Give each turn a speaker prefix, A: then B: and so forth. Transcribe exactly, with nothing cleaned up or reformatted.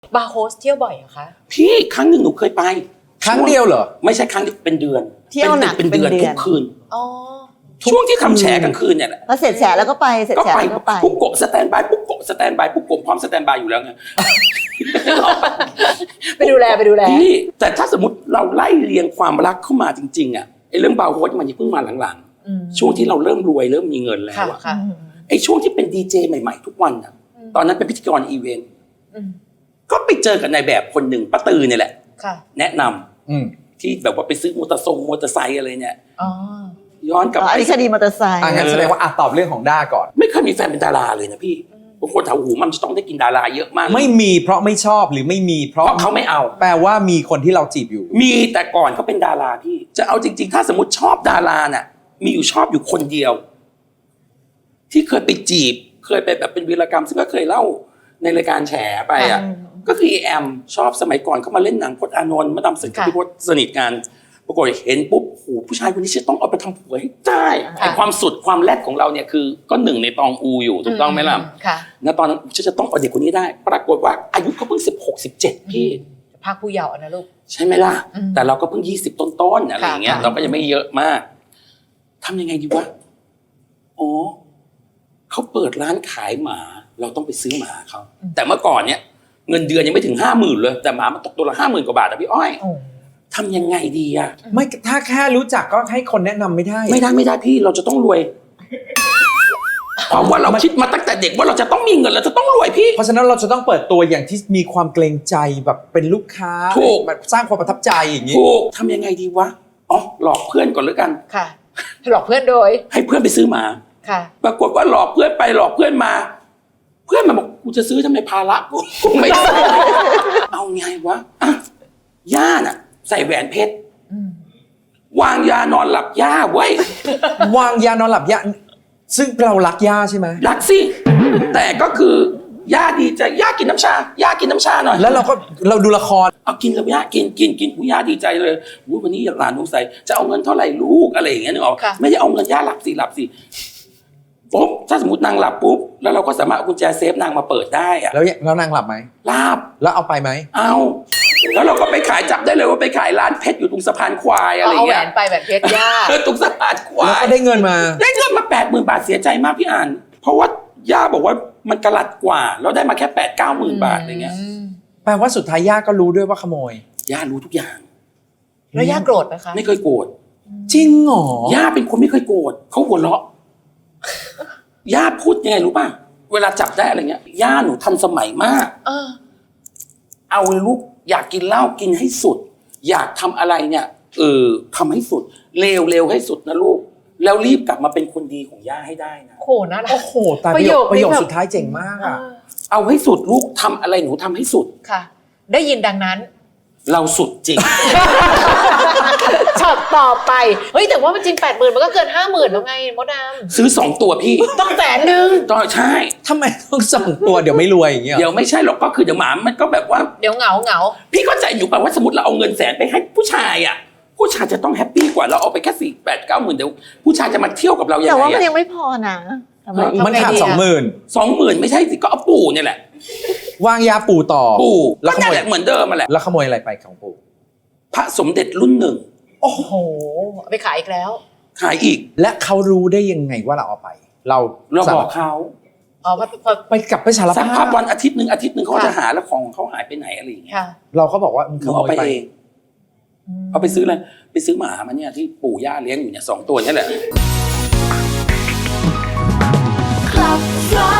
A: บาร์โฮสเที่ยวบ่อยเหรอคะ
B: พี่ครั้งหนึ่งหนูเคยไป
C: ครั้งเดียวเหรอ
B: ไม่ใช่ครั้งเดียวเป็นเดือน
D: เที่ยวหนัก
B: เป็นเดือนทุกคืน
A: อ๋อ
B: ช่วงที่ทำแฉกลางคืนเนี่ยแหละ
D: พอเสร็จแฉแล้วก็ไปเสร็จแฉแล้วก็ไป
B: ปุ๊บโกะสแตนบายปุ๊บโกะสแตนบายปุ๊บโกะพร้อมสแตนบายอยู่แล้วไง
A: ไปดูแลไปดูแล
B: พี่แต่ถ้าสมมติเราไล่เรียงความรักเข้ามาจริงๆอ่ะไอ้เรื่องบาร์โฮสมันยังเพิ่งมาหลังๆช่วงที่เราเริ่มรวยเริ่มมีเงินแล้วอ่ะไอ้ช่วงที่เป็นดีเจใหม่ๆทุกวันอ่ะตอนนั้นเป็นพิธีกรอีเวนต์ก็ไปเจอกับนายแบบคนหนึ่งป้าตือเนี่ยแหละแนะนำที่แบบว่าไปซื้อมอเตอร์ทรงมอเตอร์ไซค์อะไรเนี่ยย้อนกลับไป
D: คดีมอเตอร์ไซค์
C: งั้นแสดงว่าอ่ะตอบเรื่องของด้าก่อน
B: ไม่เคยมีแฟนเป็นดาราเลยนะพี่บางคนถามหูมันจะต้องได้กินดาราเยอะมาก
C: ไม่มีเพราะไม่ชอบหรือไม่มีเพราะ
B: เขาไม่เอา
C: แปลว่ามีคนที่เราจีบอยู่
B: มีแต่ก่อนเขาเป็นดาราพี่จะเอาจริงๆถ้าสมมติชอบดาราน่ะมีอยู่ชอบอยู่คนเดียวที่เคยไปจีบเคยไปแบบเป็นวีรกรรมซึ่งก็เคยเล่าในรายการแฉไปอ่ะก็คือแอมชอบสมัยก่อนเขามาเล่นหนังพจน์อานนท์มาดำสึกกับพี่พจน์สนิทกันปรากฏเห็นปุ๊บโอ้ผู้ชายคนนี้จะต้องเอาไปทำผัวให้ได้ไอ้ความสุดความแรดของเราเนี่ยคือก็หนึ่งในตองอูอยู่ถูกต้องไหมล่ะณตอนนั้นฉันจะต้องเอาเด็กคนนี้ได้ปรากฏว่าอายุเขาเพิ่งสิบหกสิบเจ็ดพี่
A: ภาคผู้เยาว์นะลูก
B: ใช่ไหมล่ะแต่เราก็เพิ่งยี่สิบต้นๆอะไรอย่างเงี้ยเราก็ยังไม่เยอะมากทำยังไงดีวะอ๋อเขาเปิดร้านขายหมาเราต้องไปซื้อหมาเขาแต่เมื่อก่อนเนี่ยเงินเดือนยังไม่ถึงห้าหมื่นเลยแต่หมามันตกตัวละห้าหมื่นกว่าบาทอะพี่อ้อยทำยังไงดีอะ
C: ไม่ถ้าแค่รู้จักก็ให้คนแนะนำไม่ได้
B: ไม่ได้ไม่ได้พี่เราจะต้องรวยเพราะว่าเราคิดมาตั้งแต่เด็กว่าเราจะต้องมีเงินเราจะต้องรวยพี่
C: เพราะฉะนั้นเราจะต้องเปิดตัวอย่างที่มีความเกรงใจแบบเป็นลูกค้า
B: ถูก
C: สร้างความประทับใจอย่างนี้
B: ถูกทำยังไงดีวะอ๋อหลอกเพื่อนก่อนแล้วกัน
A: ค่ะหลอกเพื่อนโดย
B: ให้เพื่อนไปซื้อหมา
A: ค่ะ
B: ปรากฏว่าหลอกเพื่อนไปหลอกเพื่อนมาเพื่อนมาบอกกูจะซื้อทำไมภาระกูกูไม่ได้เอาไงวะอ่ะย่าน่ะใส่แหวนเพชรวางยานอนหลับย่าไว้
C: วางยานอนหลับย่าซึ่งเรารักย่าใช่ไหม
B: รักสิแต่ก็คือย่าดีใจย่ากินน้ำชาย่ากินน้ำชาหน่อย
C: แล้วเราก็เราดูละคร
B: เอากินแล้วย่ากินกินกินกูย่าดีใจเลยวันนี้หลานสงสัยจะเอาเงินเท่าไหร่ลูกอะไรอย่างเงี้ยนึกออกไม่ได้เอาเงินย่าหลับสิหลับสิปุ๊บถ้าสมมตินางหลับปุ๊บแล้วเราก็สามารถเอากุญแจเซฟนางมาเปิดได้อะ
C: แล้วแล้วนางหลับไหม
B: หลับ
C: แล้วเอาไปไหม
B: เอาแล้วเราก็ไปขายจับได้เลยว่าไปขายร้านเพชรอยู่ตรงสะพานควายอะไรเงี้ย
A: เอาแหวนไปแบบเพชรย่า
B: ตรงสะพานควาย
C: แล้วก็ได้เงินมา
B: ได้เงินมาแปดหมื่นบาทเสียใจมากพี่อ่านเพราะว่าย่าบอกว่ามันกระลัดกว่าแล้วได้มาแค่แปดเก้าหมื่นบาทอะไรเงี้ย
C: แปลว่าสุดท้ายย่าก็รู้ด้วยว่าขโมย
B: ย่ารู้ทุกอย่าง
A: แล้วย่าโกรธไหมคะ
B: ไม่เคยโกรธ
C: จริงเหร
B: อย่าเป็นคนไม่เคยโกรธเขาหัวเราะย่าพูดยังไงรู้ป่ะเวลาจับได้อะไรเงี้ยย่าหนูทันสมัยมาก
A: เออ
B: เอาลูกอยากกินเหล้ากินให้สุดอยากทำอะไรเนี่ยเออทำให้สุดเร็วเร็วให้สุดนะลูกแล้วรีบกลับมาเป็นคนดีของย่าให้ได้นะ
A: โหน่ารัก
C: โอ้โหตาประโยคประโยคสุดท้ายเจ๋งมากอ่ะ
B: เอาให้สุดลูกทำอะไรหนูทำให้สุด
A: ค่ะได้ยินดังนั้น
B: เราสุดจริง
A: ช็อตต่อไปเฮ้ยแต่ว่ามันจริงแปดหมื่นมันก็เกินห้าหมื่นแล้วไงมดดำ
B: ซื้อสองตัวพี่
A: ต้องแสนหนึ่ง
B: ต้องใช่
C: ทำไมต้องสองตัวเดี๋ยวไม่รวยอย่างเงี้ย
B: เดี๋ยวไม่ใช่หรอกก็คือเดี๋ยวหมามันก็แบบว่า
A: เดี๋ยวเหงาเหงา
B: พี่เข้าใจอยู่ป่ะว่าสมมติเราเอาเงินแสนไปให้ผู้ชายอ่ะผู้ชายจะต้องแฮปปี้กว่าเราเอาไปแค่สี่แปดเก้าหมื่นเดี๋ยวผู้ชายจะมาเที่ยวกับเรายังไง
D: แต่ว่ามันยังไม่พอนะ
C: มันขาดสองหมื่น
B: สองหมื่นไม่ใช่สิก็เอาปู่เนี่ยแหละ
C: วางยาปู่ต่อ
B: ปู่แล้วขโมยเหมือนเดิมมาแหละ
C: แล้วขโมยอะไรไปของปู่
B: พระสมเด็จรุ่นหนึ่ง
A: โอ้โหไปขายอีกแล้ว
B: ขายอีก
C: และเขารู้ได้ยังไงว่าเราเอาไปเรา
B: เราบอกเขา
A: อ๋อ
C: ไปกลับไปสารภาพ
B: สักพักวันอาทิตย์หนึ่งอาทิตย์หนึ่งเขาจะหาแล้วของเขาหายไปไหนอะไรอย่างเงี้ย
C: เราก็บอกว่า
B: เขาเอาไปเองเอาไปซื้ออะไรไปซื้อหมามาเนี่ยที่ปู่ย่าเลี้ยงอยู่เนี่ยสองตัวนี่แหละ